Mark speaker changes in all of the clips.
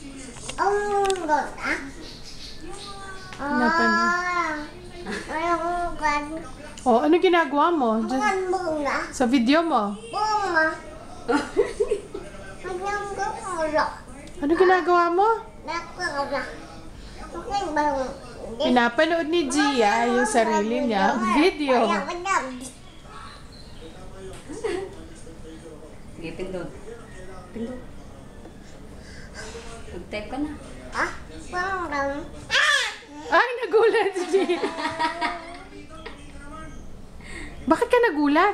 Speaker 1: Oh, ano ginagawa mo? Sa video mo? Ano ginagawa mo? Pinapanood ni Gia yung sarili niya video.
Speaker 2: Sige, pindot. Pindot. Mag-type ka na.
Speaker 1: Ay, nagulat si Gia. Bakit ka nagulat?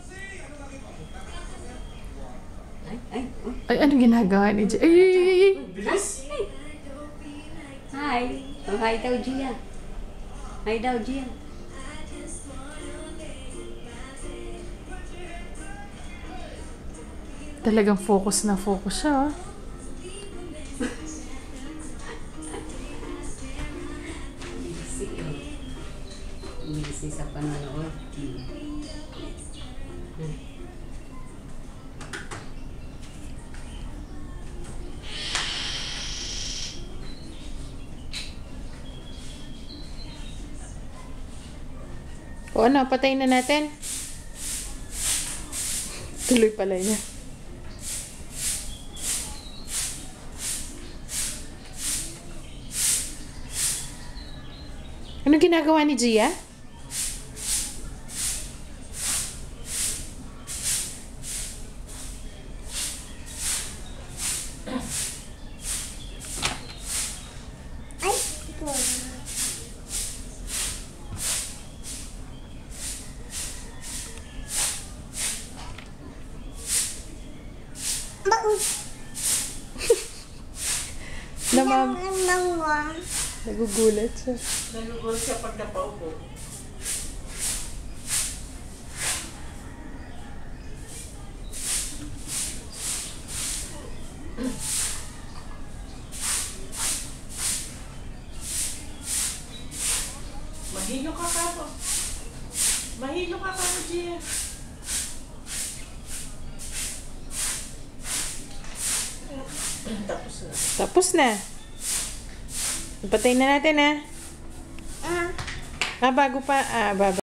Speaker 1: Ay, ano ginagawa ni Gia? Ay!
Speaker 2: Bilis! Hi! Oh, hi daw, Gia. Hi daw, Gia.
Speaker 1: Talagang focus na focus siya.
Speaker 2: Busy sa panonood.
Speaker 1: O ano, patayin na natin. Tuloy pala niya. Ano ginagawa ni Gia? Nagugulat siya.
Speaker 3: Nagugulat siya pag napaupo. Mahilo ka mo. Mahilo ka mo, Gia. Tapos na.
Speaker 1: Tapos na. Patayin na natin, ha? Bago pa. Baba.